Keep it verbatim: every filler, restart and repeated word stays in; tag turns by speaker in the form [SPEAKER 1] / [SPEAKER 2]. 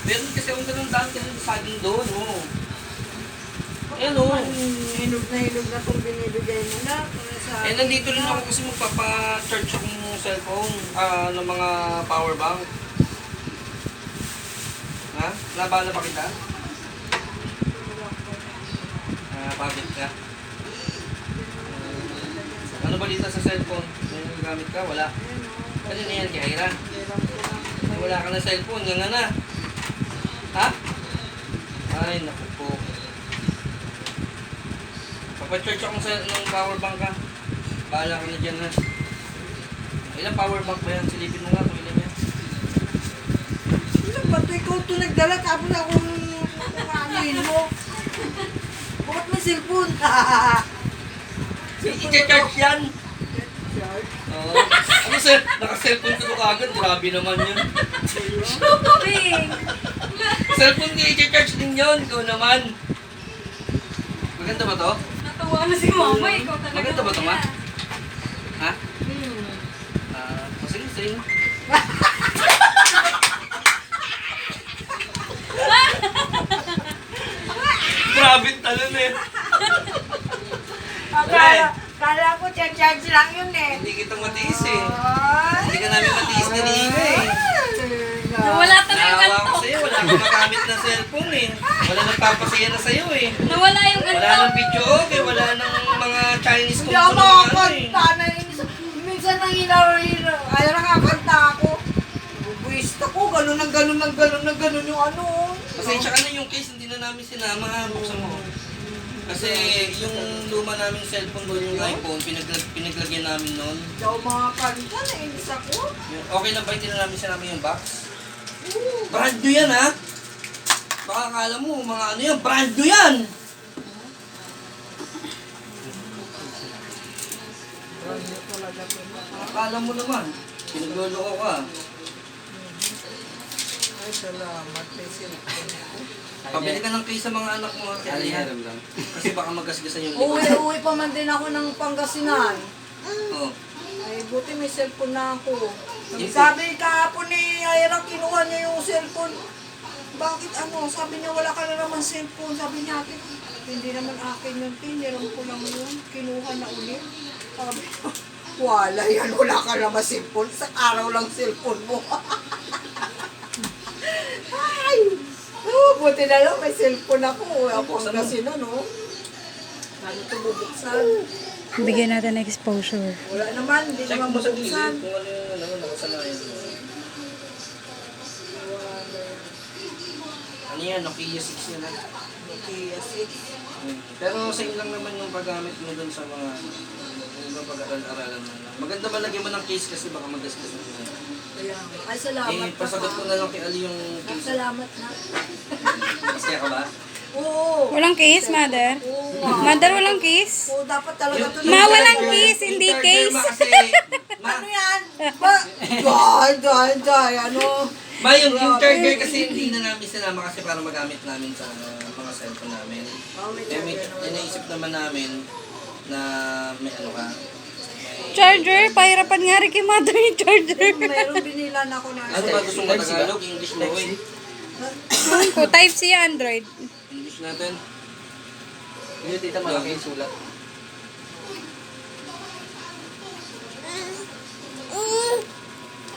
[SPEAKER 1] Meron kasi akong ganun daan kasi sa saging doon, oh. Ayan, oh.
[SPEAKER 2] Hinog na hinog na kung binibigay mo na. Sa
[SPEAKER 1] Eh, nandito rin ako kasi magpapa-charge akong cellphone, ah, ng mga power bank. Ha? Nabala pa kita? Ah, pabit ka? Uh, ano balita sa cellphone? May nagagamit ka? Wala? Kanina yan, kay Ira? Wala ka na cellphone, yan nga na. Ha? Ay, naku po. Papa-charge ako sa ng power bank ka. Bahala ka na dyan, ha? Ilang power bank ba yan? Silipin mo nga kung ilan yan.
[SPEAKER 2] Ilang ba ito? Ikaw ito nagdala. Tapos akong kumanin mo. Bakit may cellphone?
[SPEAKER 1] I-charge yan! Oo. Ano sir? Naka-cellphone ko kagad. Grabe naman yun.
[SPEAKER 3] Shopping!
[SPEAKER 1] Cellphone ko i-charge din yun. Ikaw naman. Maganda ba to?
[SPEAKER 3] Natuwa na si mama. Ikaw talaga.
[SPEAKER 1] Maganda ba to, ma?
[SPEAKER 3] kuya.
[SPEAKER 1] Ha?
[SPEAKER 2] Hmm.
[SPEAKER 1] Ah, masing-sing. Grabe talon eh.
[SPEAKER 2] Akala, akala ko charge lang yun eh.
[SPEAKER 1] Hindi kita matiis eh.
[SPEAKER 2] Ay.
[SPEAKER 1] Hindi ka namin matiis ni Riga eh.
[SPEAKER 3] Nawala talaga yung
[SPEAKER 1] Naawa ko
[SPEAKER 3] antok.
[SPEAKER 1] sa'yo. Wala kang magamit na cellphone eh. Wala nagpapasaya na sa'yo eh.
[SPEAKER 3] Nawala yung
[SPEAKER 1] Wala
[SPEAKER 3] antok.
[SPEAKER 1] nang video okay. Wala nang mga Chinese
[SPEAKER 2] Hindi
[SPEAKER 1] kung
[SPEAKER 2] ako
[SPEAKER 1] ano ano eh.
[SPEAKER 2] makakanta na minsan nang hinaw-hinaw. Ay, nakakanta ako. Buwista ko, ganun ang ganun ang ganun ang ganun yung ano.
[SPEAKER 1] Pasensya ka na yung case, hindi na namin sinama ha. Buksan mo. Kasi yung luma naming cellphone doon, yung iPhone, pinaglag, pinaglagyan namin noon.
[SPEAKER 2] Hindi ako makakanta, nainis ako.
[SPEAKER 1] Yung- Okay lang ba hindi na namin sinama yung box? Brand new yan ha? Baka akala mo, mga ano yan, brand new yan! Akala mo naman, pinagloloko ka.
[SPEAKER 2] Ay, salamat. May cellphone ako.
[SPEAKER 1] Pabili ka ng case sa mga anak mo. Kaya lang. Kasi baka magasgasan yung
[SPEAKER 2] Uwi,
[SPEAKER 1] likod.
[SPEAKER 2] uwi pa man din ako ng Pangasinan.
[SPEAKER 1] Oo.
[SPEAKER 2] Ay, buti may cellphone na ako.
[SPEAKER 1] Yung-
[SPEAKER 2] Sabi kahapon ni Ira, kinuha niya yung cellphone. Bakit ano? Sabi niya, wala ka na naman cellphone. Sabi niya, akin, hindi naman akin yun. Tiniram ko lang yun. Kinuha na ulit. Sabi ko, wala yan. Wala ka naman cellphone. Sa araw lang cellphone mo. Ay! Oh, buti na lang may cellphone ako. Ako
[SPEAKER 1] Buksan mo.
[SPEAKER 2] kasi na, no? Ano ito bubuksan?
[SPEAKER 4] Bigyan natin ng exposure.
[SPEAKER 2] Wala naman, hindi
[SPEAKER 1] Check
[SPEAKER 2] naman
[SPEAKER 1] mo sa gilid
[SPEAKER 2] bubuksan.
[SPEAKER 1] kung ano yung ano, nakasanayan mo. Ano yan? Nokia six yan ha?
[SPEAKER 2] Nokia six.
[SPEAKER 1] Hmm. Pero same lang naman yung paggamit mo dun sa mga yung ibang pag-aral-aralan mo. Maganda ba lagyan mo ng case kasi baka magasgas mo yun.
[SPEAKER 2] Kaya, ay salamat
[SPEAKER 1] Eh,
[SPEAKER 2] pa
[SPEAKER 1] pasagot ko na lang kay Ali yung
[SPEAKER 2] Ay,
[SPEAKER 1] case.
[SPEAKER 2] salamat na.
[SPEAKER 1] Masaya ka ba?
[SPEAKER 2] Oo.
[SPEAKER 4] Walang case, mother?
[SPEAKER 2] Oo. ah.
[SPEAKER 4] Mother, walang case?
[SPEAKER 2] Oo, dapat talaga ito.
[SPEAKER 4] Ma, walang
[SPEAKER 1] charger-
[SPEAKER 4] case, hindi
[SPEAKER 1] yung charger,
[SPEAKER 4] case.
[SPEAKER 1] Ma, kasi, ma,
[SPEAKER 2] Ano yan? Ba? Jai, jai, jai. Ano?
[SPEAKER 1] ma, yung, yung charger kasi hindi na namin sinama kasi para magamit namin sa uh, mga cellphone namin.
[SPEAKER 2] Oh, may
[SPEAKER 1] Eh, may,
[SPEAKER 2] charger naman.
[SPEAKER 1] inaisip naman namin na may ano ka.
[SPEAKER 4] Charger, pahirapan nga rin kay mother yung charger.
[SPEAKER 2] Meron binilan ako na.
[SPEAKER 1] Ano ba gusto mo Tagalog? English mo eh.
[SPEAKER 4] Ko type C Android.
[SPEAKER 1] English natin.
[SPEAKER 5] Hindi, tita, malaki yung sulat.